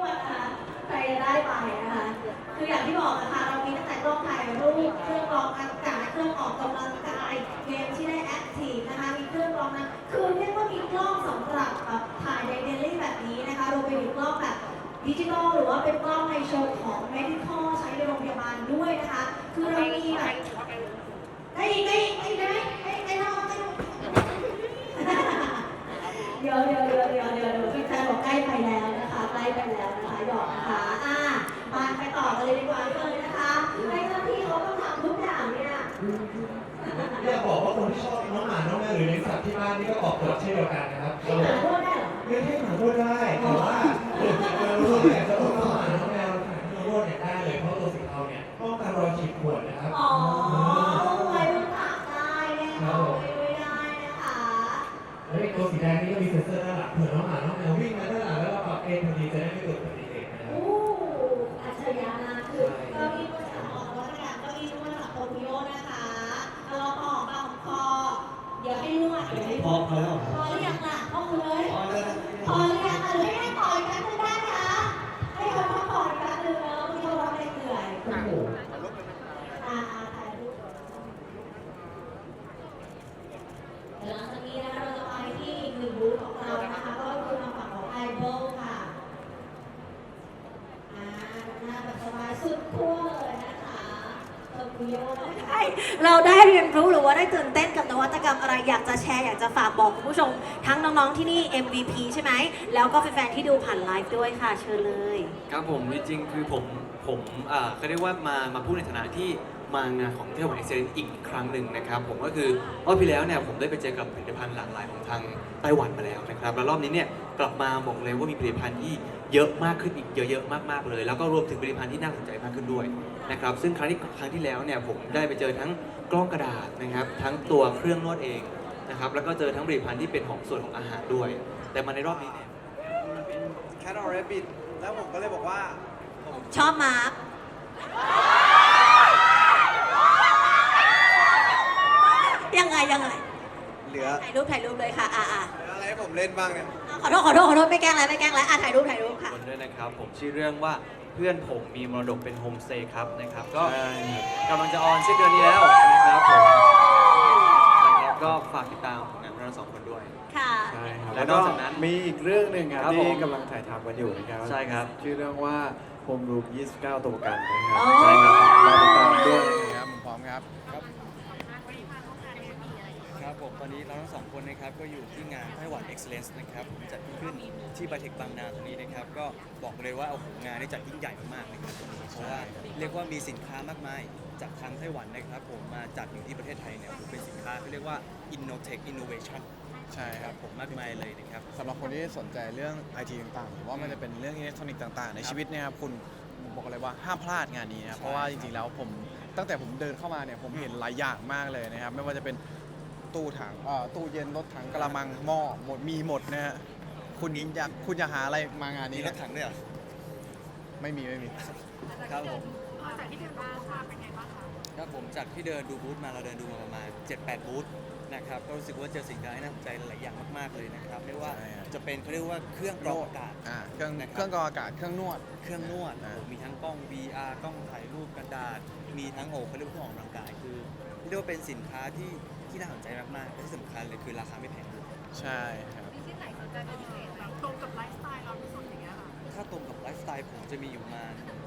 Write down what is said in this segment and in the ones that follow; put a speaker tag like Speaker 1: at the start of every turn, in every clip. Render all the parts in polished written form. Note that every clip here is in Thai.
Speaker 1: ดนะคะใครจะได้ไปนะคะคืออย่างที่บอกนะคะเรามีตั้งแต่กล้องถ่ายรูปเครื่องกรองอากาศเครื่องออกกำลังกายเกมที่ได้แอคทีฟนะคะมีเครื่องกรองน้ำคือเรียกว่ามีกล้องสำหรับถ่ายในเดลี่แบบนี้นะคะรวมไปถึงกล้องแบบดิจิทัลหรือว่าเป็นกล้องในเชิงของ medical ใช้ในโรงพยาบาลด้วยนะคะคือเรามีแบบได้ไหมได้น้องได้น้องเดี๋ยวพี่แฟนบอกใกล้ไปแล้วนะคะใกล้ไปแล้วนะคะหยอกนะคะมาไปต่อกันเลยดีกว่าเลยนะคะให้เจ้าที่เขาต้องทำทุกอย่างเนี่ย
Speaker 2: อยากบอกว่าคนที่ชอบน้องหมาน้องแมวหรือเลี้ยงสัตว์ที่บ้านนี่ก็ออกกฎเช่นเดียวกันนะครับ
Speaker 1: ให้หมาพูดได้เหรอ
Speaker 2: เลี้ยงให้หมาพูดได้แต่ว่าเราอยากจะอุ้มน้องหมาน้องแมวถ่ายที่โรดเนี่ยได้เลยเพราะตัวสีเทาเนี่ยป้องกันรอยขีดข่วนนะครับ
Speaker 1: อ๋อไว้บนปากได้แน่นอนไม่ได้นะคะ
Speaker 2: แล้วตัวสีแดงนี่ก็มีเซ็นเซอร์ด้านหลังเผื่อน้องหมาน้องแมววิ่งมาด้านหลังแล้วเราปรับเองพอดีจะได้ไม่เกิดอุบัติเหตุนะครับ
Speaker 1: อัจฉริยะมากคือเก้าอี้ก็จะออกแล้วนะคะเก้าอี้นวดจากโตเกียวนะคะเราพอพอเดี๋ยวให้นวดเดี๋ยวให้
Speaker 2: พอแล้ว
Speaker 1: พอหรือยังล่ะพอเลยพอหรือยังหรือให้ต่อยกันได้คะให้เขาพักผ่อนกันหรือที่เขาร้องเหนื่อยถ่ายรูปถ่ายรูปหลังจากนี้นะคะเราจะไปที่อีกหนึ่งบูธของเรานะคะก็คือทางฝั่งของไอเบิลค่ะหน้าแบบสบายสุดขั้วเลยนะคะเราได้เรียนรู้หรือว่าได้ตื่นเต้นกับนวัตกรรมอะไรอยากจะแชร์อยากจะฝากบอกคุณผู้ชมทั้งน้องๆที่นี่ MVP ใช่ไหมแล้วก็แฟนๆที่ดูผ่านไลฟ์ด้วยค่ะเชิญเลย
Speaker 3: ครับผมจริงๆคือผมเขาเรียกว่ามาพูดในฐานะที่มางานของเที่ยววันเอ็กเซนอีกครั้งหนึ่งนะครับผมก็คือรอบที่แล้วเนี่ยผมได้ไปเจอกับผลิตภัณฑ์หลากหลายของทางไต้หวันมาแล้วนะครับแล้วรอบนี้เนี่ยกลับมาบอกเลยว่ามีผลิตภัณฑ์ที่เยอะมากขึ้นอีกเยอะๆมากๆเลยแล้วก็รวมถึงผลิตภัณฑ์ที่น่าสนใจมากขึ้นด้วยนะครับซึ่งครั้งที่แล้วเนี่ยผมได้ไปเจอทั้งกล้องกระดาษนะครับทั้งตัวเครื่องนวดเองนะครับแล้วก็เจอทั้งผลิตภัณฑ์ที่เป็นของส่วนของอาหารด้วยแต่มาในรอบนี้เนี่ย
Speaker 4: เป็นแคทออเรบิทแล้วผมก็เลยบอกว่าผม
Speaker 1: ชอบมาร์คยังไง
Speaker 4: เหลือ
Speaker 1: ถ่ายรูปเลยค่ะ
Speaker 4: เหลืออะไรให้ผมเล่นบ้างเนี่ย
Speaker 1: ขอโทษไม่แกล้งแล้วถ่ายรูปค่ะ
Speaker 3: คนด้วยนะครับผมชื่อเรื่องว่าเพื่อนผมมีมรดกเป็นโฮมสเตย์ครับนะครับก็กำลังจะออนสิ้นเดือนนี้แล้วนะครับผมนะครับก็ฝากติดตามผลงานเราสองคนด้วย
Speaker 1: ค่ะ
Speaker 4: ใช่ครับ
Speaker 3: แล้วนอกจากนั้น
Speaker 4: มีอีกเรื่องหนึ่งครับที่กำลังถ่ายทำกันอยู่นะครับ
Speaker 3: ใช่ครับ
Speaker 4: ชื่อเรื่องว่าโฮมรูม29 ตัวประกันนะครับ
Speaker 1: ใช่
Speaker 4: ครับรอติดตามด้วยนะครับผมพร้อมครับ
Speaker 3: ครับผมตอนนี้เราทั้งสองคนนะครับก็อยู่ที่งานไต้หวัน Excellence นะครับผมจัดขึ้นที่ไบเทคบางนาตรงนี้นะครับก็บอกเลยว่าโอ้โหงานนี้จัดยิ่งใหญ่มากๆนะครับเพราะว่าเรียกว่ามีสินค้ามากมายจากทางไต้หวันนะครับผมมาจัดอยู่ที่ประเทศไทยเนี่ยเป็นสินค้าที่เรียกว่า Innotech Innovation
Speaker 4: ใช่ครับ
Speaker 3: ผมมากมายเลยนะครับ
Speaker 4: สำหรับคนที่สนใจเรื่อง IT ต่างๆหรือว่ามันจะเป็นเรื่องอิเล็กทรอนิกส์ต่างๆในชีวิตเนี่ยครับคุณบอกเลยว่าห้ามพลาดงานนี้นะครับเพราะว่าจริงๆแล้วผมตั้งแต่ผมเดินเข้ามาเนี่ยผมเห็นหลายอย่างมากเลยนะครับไม่ว่าจะเป็นตู้ถังตู้เย็นรถถังกระมังหม้อหมดมีหมดนะฮะคุณอยากหาอะไรมางานนี้
Speaker 3: รถถังด้วยเหรอ
Speaker 4: ไม่มี
Speaker 3: ครับผมจากที่เดินมาเป็นไงบ้างครับผมจากที่เดินดูบูธมาเราเดินดูมาประมาณ 7-8 บูธนะครับก็รู้สึกว่าเจอสิ่งที่น่าสนใจหลายอย่างมากๆเลยนะครับไม่ว่าจะเป็นเขาเรียกว่าเครื่องกรองอากาศ
Speaker 4: เครื่องกรองอากาศเครื่องนวด
Speaker 3: มีทั้งกล้อง VR กล้องถ่ายรูปกระดาษมีทั้งเขาเรียกว่าเครื่องออกกำลังกายคือเรียกว่าเป็นสินค้าที่น่าสนใจมากๆและที่สำคัญเลยคือราคาไม่แพงด้วย
Speaker 4: ใช่ครับ
Speaker 5: มีที่ไหนสนใจเป็นพิเศษไหมตรงกับไลฟ์สไตล์เราที่สุดอย่างเงี้ยค่ะ
Speaker 3: ถ้าตรงกับไลฟ์สไตล์ผมจะมีอยู่มา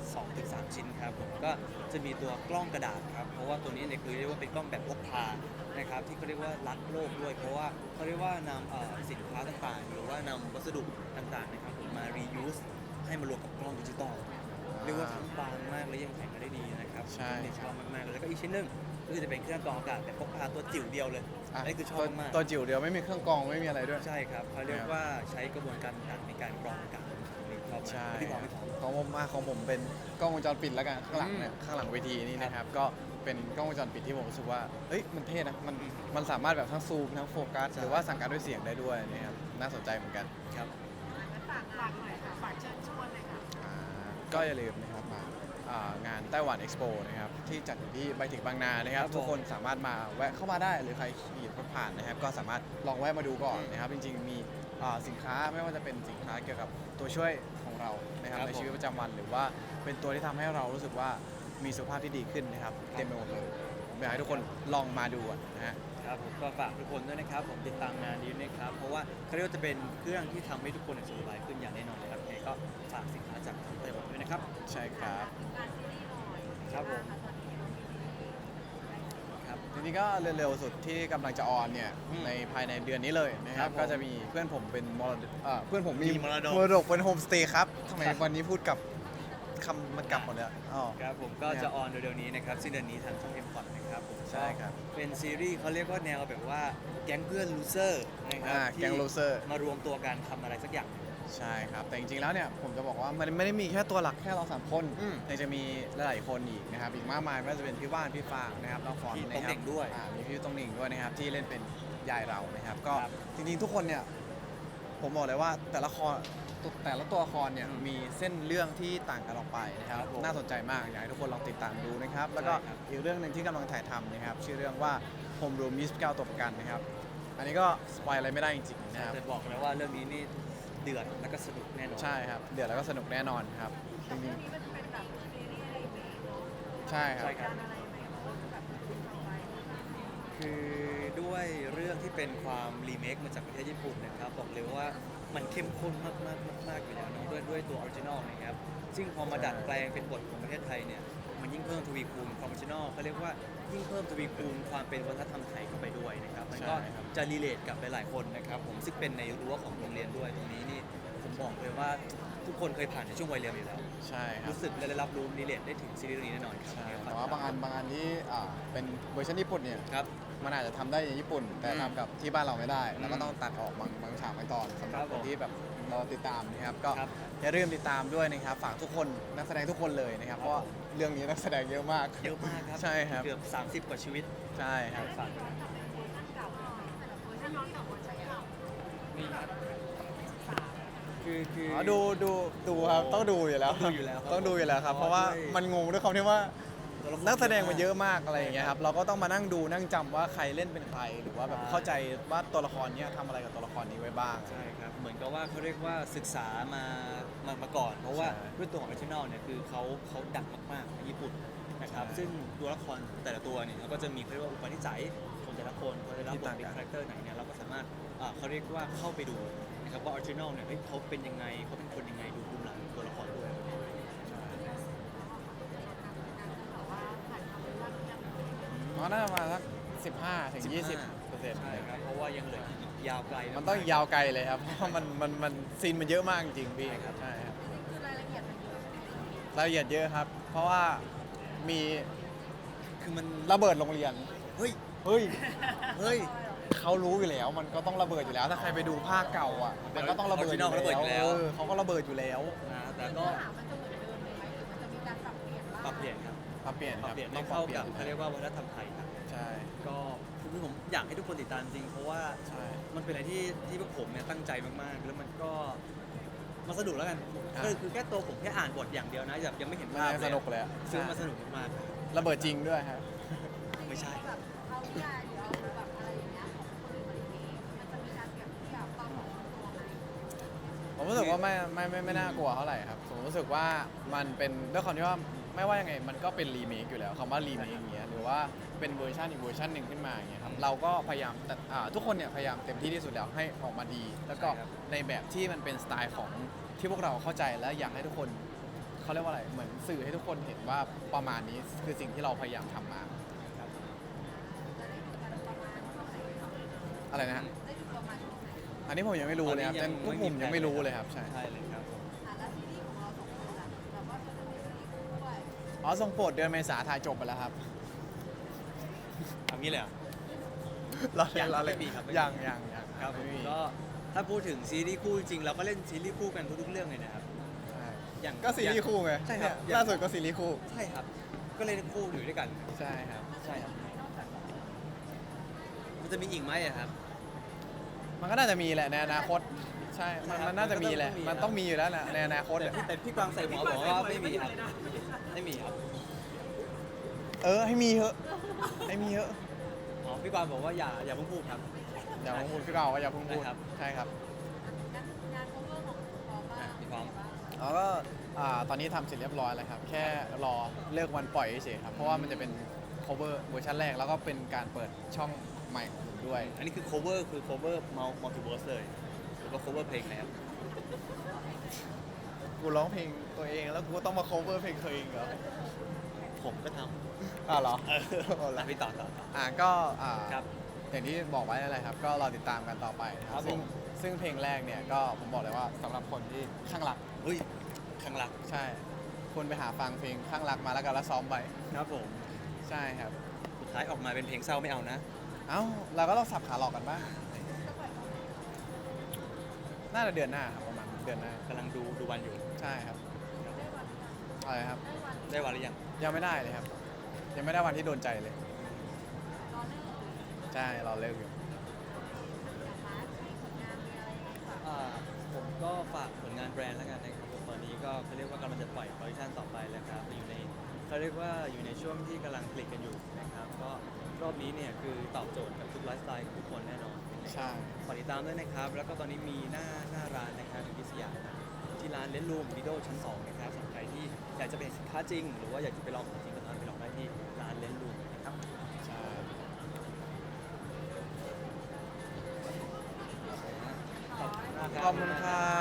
Speaker 3: 2-3 ชิ้นครับผมก็จะมีตัวกล้องกระดาษครับเพราะว่าตัวนี้เนี่ยคือเรียกว่าเป็นกล้องแบบพกพานะครับที่เขาเรียกว่ารักโลกด้วยเพราะว่าเขาเรียกว่านำสินค้าต่างๆหรือว่านำวัสดุต่างๆนะครับผมมา reuse ให้มารวมกับกล้องดิจิตอลเรียกว่าทั้งบางมากและยังแข็งได้ดีนะครับ
Speaker 4: ใช่
Speaker 3: ชอบมากๆเลยแล้วก็อีกชิ้นหนึ่งก็คือจะเป็นเครื่องกรองอากาศแบบพกพาตัวจิ๋วเดียวเลยนี่คือชอบมาก
Speaker 4: ตัวจิ๋วเดียวไม่มีเครื่องกรองไม่มีอะไรด้วย
Speaker 3: ใช่ครับเขาเรียกว่าใช้กระบวนการต่างในการกรองอากาศ
Speaker 4: ใช่ของผมเป็นกล้องวงจรปิดแล้วกันข้างหลังเนี่ยข้างหลังเวทีนี่นะครับก็เป็นกล้องวงจรปิดที่ผมรู้สึกว่าเฮ้ยมันเท่นะมันสามารถแบบทั้งซูมทั้งโฟกัสหรือว่าสั่งการด้วยเสียงได้ด้วยนะครับน่าสนใจเหมือนกัน
Speaker 3: ครับ
Speaker 5: ฝากหน่อยค่ะฝากเชิญชวนเลยค่ะ
Speaker 4: ก็อย่าลืมนะครับมางานไต้หวันเอ็กซ์โปนะครับที่จัดอยู่ที่ไบเทคบางนานะครับทุกคนสามารถมาแวะเข้ามาได้หรือใครขี่รถผ่านนะครับก็สามารถลองแวะมาดูก่อนนะครับจริงๆมีสินค้าไม่ว่าจะเป็นสินค้าเกี่ยวกับตัวช่วยของเรานะครับ
Speaker 3: ครับ
Speaker 4: ในชีวิตประจำวันหรือว่าเป็นตัวที่ทำให้เรารู้สึกว่ามีสุขภาพที่ดีขึ้นนะครับเต็มไปหมดเลยผมอยากให้ทุกคนลองมาดูอะนะฮะ
Speaker 6: ครับผมก็ฝากทุกคนด้วยนะครับผมติดตามงานนี้นะครับเพราะว่าเขาเรียกว่าจะเป็นเครื่องที่ทำให้ทุกคนสุขสบายขึ้นอย่างแน่นอนนะครับยังไงก็ฝากสินค้าจากไต้หวันด้วยนะครับ
Speaker 4: ใช่ครับ
Speaker 6: ครับผมครับ
Speaker 4: ทีนี้ก็เร็วๆสุดที่กำลังจะออนเนี่ย
Speaker 6: อืม
Speaker 4: ในภายในเดือนนี้เลยนะค
Speaker 6: ครั
Speaker 4: รั
Speaker 6: บบ ผม
Speaker 4: ก็จะมีเพื่อนผมเป็นมรดกเพื่อนผมมี
Speaker 6: มีมรดก
Speaker 4: มรดกเป็นโฮมสเตย์ครับทำไมวันนี้พูดกับคำมันกลับหมดเลยอะอ๋อ
Speaker 6: ครับผมก็จะออนเร็วๆนี้นะครับสิ้นเดือนนี้ทางช่อง M พอดนะครับผม
Speaker 4: ใช่ครับ
Speaker 6: เป็นซีรีส์เขาเรียกว่าแนวแบบว่าแก๊งเพื่อนลูเซอร์นะครับ
Speaker 4: แก๊ง loser
Speaker 6: มารวมตัวกันทำอะไรสักอย่าง
Speaker 4: ใช่ครับ แต่จริงๆแล้วเนี่ยผมจะบอกว่ามันไม่ได้มีแค่ตัวหลักแค่เราสามคน
Speaker 6: อืม
Speaker 4: ยังจะมีหลายๆคนอีกนะครับอีกมากมายไม่ว่าจะเป็นพี่ว่านพี่ฟางนะครับน้องฟอน
Speaker 6: พี่
Speaker 4: นะ
Speaker 6: ตง
Speaker 4: ค
Speaker 6: เห
Speaker 4: รั
Speaker 6: น่งด้วย
Speaker 4: มีพี่ตงเหน่งด้วยนะครับที่เล่นเป็นยายเรานะครับก็
Speaker 6: ครับ
Speaker 4: จริงๆทุกคนเนี่ยผมบอกเลยว่าแต่ละตัวละครเนี่ย
Speaker 6: อืม
Speaker 4: มีเส้นเรื่องที่ต่างกันออกไปนะครับ
Speaker 6: ครับผม
Speaker 4: น่าสนใจมากอยากให้ทุกคนลองติดตามดูนะครับแล้วก็
Speaker 6: ใช่ครับ
Speaker 4: อีกเรื่องหนึ่งที่กำลังถ่ายทำนะครับชื่อเรื่องว่าโฮมรูม29ตัวประกันนะครับอันนี้ก็สปอยอะไรไม่ได้จริงๆนะครับ
Speaker 6: แต่บอกเลยว่าเรื่องนี้นี่เดือดแล้วก็สนุกแน่นอน
Speaker 4: ใช่ครับเดือดแล้วก็สนุกแน่นอนครับจริง
Speaker 5: นี่มันเป็นแบบซีรีส์อะไรไหมเนาะ
Speaker 4: ๆใช่ครับ
Speaker 6: ใช่ครับ
Speaker 5: การอะไรไหมเพราะว่าแบบคุณเอาไว้
Speaker 6: คือด้วยเรื่องที่เป็นความรีเมคมาจากประเทศญี่ปุ่นนะครับบอกเลยว่ามันเข้มข้นมากๆอยู่แล้วเนอะด้วยตัวออริจินอลนะครับซึ่งพอมาดัดแปลงเป็นบทของประเทศไทยเนี่ยมันยิ่งเพิ่มทวีคูณความออริจินอลเขาเรียกว่ายิ่งเพิ่มทวีคูณความเป็นวัฒนธรรมไทยเข้าไปด้วยนะครับมันก็
Speaker 4: ใช่ครับ
Speaker 6: จะรีเลทกับหลายๆคนนะครับผมซึ่งเป็นในรั้วของโรงเรียนด้วยตรงนี้นี่ผมบอกเลยว่าทุกคนเคยผ่านในช่วงวัยเรียนอยู่แล้ว
Speaker 4: ใช่ครับ
Speaker 6: รู้สึกและได้รับรู้รีเลทได้ถึงซีรีส์เรื่องนี้แน่นอนครับ
Speaker 4: ใช่แต่ว่าบางอันที่เป็นเวอร์ชันญี่ปุ่นเนี่ย
Speaker 6: ครับ
Speaker 4: มันอาจจะทำได้ในญี่ปุ่น แต่
Speaker 6: อืม
Speaker 4: ทำกับที่บ้านเราไม่ได้
Speaker 6: อืม
Speaker 4: แล้วก็ต้องตัดออกบางฉากบางตอนสำหรับ
Speaker 6: ครับ
Speaker 4: ค
Speaker 6: ผม
Speaker 4: นที่แบบเราติดตามนะครับก็
Speaker 6: ครับ
Speaker 4: อย่าลืมติดตามด้วยนะครับฝากทุกคนนักแสดงทุกคนเลยนะครับเพราะว่าเรื่องนี้นักแสดงเยอะมาก
Speaker 6: เยอะมากครับ
Speaker 4: ใช่ครับ
Speaker 6: เกือบ 30 กว่าชีวิต
Speaker 4: ใช่ครับ
Speaker 6: ฝากด้วย
Speaker 5: ถ้าน้องกับเวอร์ชันเก่า
Speaker 6: นี่ครับคือ
Speaker 4: อ๋อดูครับต้องดูอยู่แล้ว
Speaker 6: ต้องดูอยู่แล้วครับ
Speaker 4: ต้องดูอยู่แล้วครับ
Speaker 6: เพ
Speaker 4: เพ
Speaker 6: ราะ
Speaker 4: ราะ
Speaker 6: ว่า
Speaker 4: ว่า
Speaker 6: ด้วย
Speaker 4: มันงงด้วยความที่ว่า
Speaker 6: ตัวละคร
Speaker 4: นักแสดงมันเยอะมากอะไรอย่างเงี้ยครับเราก็ต้องมานั่งดูนั่งจำว่าใครเล่นเป็นใคร หรือว่าแบบเข้าใจว่าตัวละครเนี้ยทำอะไรกับตัวละครนี้ไว้บ้าง
Speaker 6: ใช่ครับ เหมือนกับว่าเขาเรียกว่าศึกษามาก่อน เพราะว่า
Speaker 4: ใช่
Speaker 6: ด้วยตัวของออริจินอลเนี่ยคือเขาดังมากๆในญี่ปุ่นนะครับ
Speaker 4: ใช่
Speaker 6: ซึ่งตัวละครแต่ละตัวเนี่ยเขาก็จะมีเขาเรียกว่าอุปนิสัยของแต่ละคนเขาได้รับบทเป็นคาแรคเตอร์ไหนเนี่ยเราก็สามารถเขาเรียกว่าเข้าไปดูนะครับว่าออริจินอลเนี่ยเฮ้ยเขาเป็นยังไงเขาเป็นคนยังไงดูภูมิหลังตัวละครด้วย
Speaker 4: อ๋อน่าจะมาสัก15 ถึง 20%
Speaker 6: ใช่ครับ เพราะว่ายังเหลืออีกยาวไกละ
Speaker 4: มันต้องยาวไกลเลยครับ เพราะว่ามันซีนมันเยอะมากจริงๆพี่
Speaker 6: ใช่ครับ
Speaker 4: ใช่ครับ
Speaker 5: คือรายละเอียดมันเยอะใช่ไหมคะ
Speaker 4: รายละเอียดเยอะครับ เพราะว่ามี
Speaker 6: คือมัน
Speaker 4: ระเบิดโรงเรียน
Speaker 6: เฮ้ย
Speaker 4: เฮ้ย
Speaker 6: เฮ้ย
Speaker 4: เขารู้อยู่แล้ว มันก็ต้องระเบิดอยู่แล้ว ถ้าใครไปดูภาคเก่าอ่ะ มันก็ต้องระเบิดอยู่
Speaker 6: Original ระเบิดอยู่แล้ว
Speaker 4: เขาก็ระเบิดอยู่แล้ว
Speaker 6: นะแต่ก็
Speaker 5: เนื้อหามันจะเหมือนเดิมเลยไหมหรือมันจะมีการปรับเปลี่ยนบ้าง
Speaker 6: ปรับเปลี่ยนครับ
Speaker 4: ปรับเปลี่ยน
Speaker 6: ป
Speaker 4: ค
Speaker 6: รับ
Speaker 4: รับ
Speaker 6: เปลี่ยน
Speaker 4: ต้
Speaker 6: ให้
Speaker 4: องปรั
Speaker 6: เข้า
Speaker 4: บเปลี่ย
Speaker 6: กัน บเขาเรียกว่าวัฒนธรรมไทยครับ
Speaker 4: ใช่
Speaker 6: ก็คือผมอยากให้ทุกคนติดตามจริง เพราะว่า
Speaker 4: ใช่
Speaker 6: มันเป็นอะไรที่พวกผมเนี่ยตั้งใจมากๆ แล้วมันก็มันสนุกแล้วกัน
Speaker 4: อ่า
Speaker 6: คือแค่ตัวผมแค่อ่านบทอย่างเดียวนะแบบยังไม่เห็น
Speaker 4: มัน
Speaker 6: ภาพ
Speaker 4: ยังสนุกเลยอะ
Speaker 6: ซึ่งมันสนุกมาก
Speaker 4: ระเบิดจริงด้วยครับ
Speaker 6: ๆไม่ใช่
Speaker 5: แบบเอานิยายหรือเอาแบบอะไรอย่างเงี้ยของคนอื่นมารีเมคมันจะมีการเปรียบเทียบความของตัวไหม
Speaker 4: ผมรู้สึกว่าไม่น่ากลัวเท่าไหร่ครับผมรู้สึกว่ามันเป็นด้วยความที่ว่าไม่ว่ายังไงมันก็เป็นรีเมคอยู่แล้วคำว่ารีเมคอย่างเงี้ยหรือว่าเป็นเวอร์ชันอีกเวอร์ชันหนึ่งขึ้นมาอย่างเงี้ยครับเราก็พยายามแต่ทุกคนเนี่ยพยายามเต็มที่ที่สุดแล้วให้ออกมาดี แล้วก็
Speaker 6: ใช่ครับ
Speaker 4: ในแบบที่มันเป็นสไตล์ของที่พวกเราเข้าใจและอยากให้ทุกคนเขาเรียกว่าอะไรเหมือนสื่อให้ทุกคนเห็นว่าประมาณนี้คือสิ่งที่เราพยายามทำมาครับ
Speaker 5: จะได้ดูกันประมาณช่วงไหนคะ
Speaker 4: อะไรนะฮะ
Speaker 5: ได้ดูประมาณช่วงไหน
Speaker 4: อันนี้ผมยังไม่รู้เลยครับ
Speaker 6: ตอนนี้
Speaker 4: พวกผมยังไม่รู้เลยครับใช่
Speaker 6: ใช่เลยครับ
Speaker 5: แล้วซีรีส์ของเราสองคนล่ะแบบว่าจะมีซีรีส์คู่ด้วย
Speaker 4: อ๋อทรงโปรดเดือนเมษาถ่ายจบไปแล้วครับ
Speaker 6: ทำนี้เลยเหรอ
Speaker 4: เรา
Speaker 6: ยัง
Speaker 4: เราเลย
Speaker 6: ไม่มีครับไม่มี
Speaker 4: ยัง
Speaker 6: ครับผม
Speaker 4: ไม่มี
Speaker 6: ก็ถ้าพูดถึงซีรีส์คู่จริงๆเราก็เล่นซีรีส์คู่กันทุกๆเรื่องเลยนะครับ
Speaker 4: ใช่
Speaker 6: อย่าง
Speaker 4: ก็ซีรีส์คู่ไง
Speaker 6: ใช่ครับ
Speaker 4: เนี่ยล่าสุดก็ซีรีส์คู่
Speaker 6: ใช่ครับ ก็เล่นคู่อยู่ด้วยกัน
Speaker 4: ใช่ครับ
Speaker 6: ใช่ครับ มันจะมีอีกไหมอะครับ
Speaker 4: มันก็น่าจะมีแหละในอนาคต ใช่
Speaker 6: ใช่ครับ
Speaker 4: มันน่าจะมีแหละ
Speaker 6: มั
Speaker 4: มัน
Speaker 6: นก็
Speaker 4: ต้
Speaker 6: ต้
Speaker 4: อ
Speaker 6: อง งมี
Speaker 4: มีอยู่แล้วแหละในอนาคต
Speaker 6: แต่
Speaker 4: อะ
Speaker 6: แต่พี่กวางใส่หมอบอกว่าไม่มีครับ ไม่มีครับ
Speaker 4: ให้มีเถอะให้มีเถอะ
Speaker 6: อ๋อพี่กวางบอกว่าอย่าเพิ่งพูดครับ
Speaker 4: อย่าเพิ่งพูดพี่เราก็อย่าเพิ่งพูด
Speaker 6: ได้ครับ
Speaker 4: ใช่ครับ
Speaker 5: ถ
Speaker 4: ตอนนี้ทำเสร็จเรียบร้อยแล้วครับ แค่รอเลิกวันปล่อยเฉยๆครับ เพราะว่ามันจะเป็น cover เวอร์ชันแรก แล้วก็เป็นการเปิดช่องใหม่ของผมด้วย
Speaker 6: อันนี้คือ cover multiverse เลยหรือว่า cover เพลงแล้ว
Speaker 4: กูร้องเพลงตัวเองแล้วกูก็ต้องมา cover เพลงเธอเองเหรอ
Speaker 6: ผมก็ท
Speaker 4: อ้าวเหรอ
Speaker 6: ำแล้วพี่ต่อ
Speaker 4: ก็
Speaker 6: ครับ
Speaker 4: อย่างที่บอกไว้นั่นแหละครับ ก็รอติดตามกันต่อไปนะค
Speaker 6: ครั
Speaker 4: รั
Speaker 6: บบ ผม
Speaker 4: ซึ่งเพลงแรกเนี่ยก็ผมบอกเลยว่าสำหรับคนที่ข้างรัก
Speaker 6: เฮ้ยข้างหลัก
Speaker 4: ใช่คุณไปหาฟังเพลงข้างรักมาแล้วกันแล้วซ้อมไป
Speaker 6: ครับผม
Speaker 4: ใช่ครับ
Speaker 6: สุดท้ายออกมาเป็นเพลงเศร้าไม่เอานะ
Speaker 4: เอ้าเราก็ต้องสับขาหลอกกันบ้างน่าจะเดือนหน้าครับประมาณเดือนหน้าก
Speaker 6: ำลังดูวันอยู่
Speaker 4: ใช่ครับอะไรครับ
Speaker 6: ได้วันหรือยัง
Speaker 4: ยังไม่ได้เลยครับ ยังไม่ได้วันที่โดนใจเลย ใช่เราเลิกอยู่
Speaker 6: ผมก็ฝากผลงานแบรนด์แล้วกันนะครับผมตอนนี้ก็เขาเรียกว่ากำลังจะปล่อยคอลเลคชันต่อไปแล้วครับอยู่ในเขาเรียกว่าอยู่ในช่วงที่กำลังผลิตกันอยู่นะครับก็รอบนี้เนี่ยคือตอบโจทย์กับทุกไลฟ์สไตล์ของทุกคนแน่นอน
Speaker 4: ใช่
Speaker 6: ฝากติดตามด้วยนะครับ แล้วก็ตอนนี้มีหน้าร้านนะครับอยู่ที่สยามที่ร้านเลนรูมวิดีโอชั้น 2 นะครับสำหรับใครที่อยากจะไปเห็นสินค้าจริง หรือว่าอยากจะไปลองของจริงก็ตามไปลองได้ที่ร้านเลนรูมนะครับ
Speaker 4: ใช่
Speaker 6: ขอบคุณมากครับ
Speaker 4: ขอบคุณครับ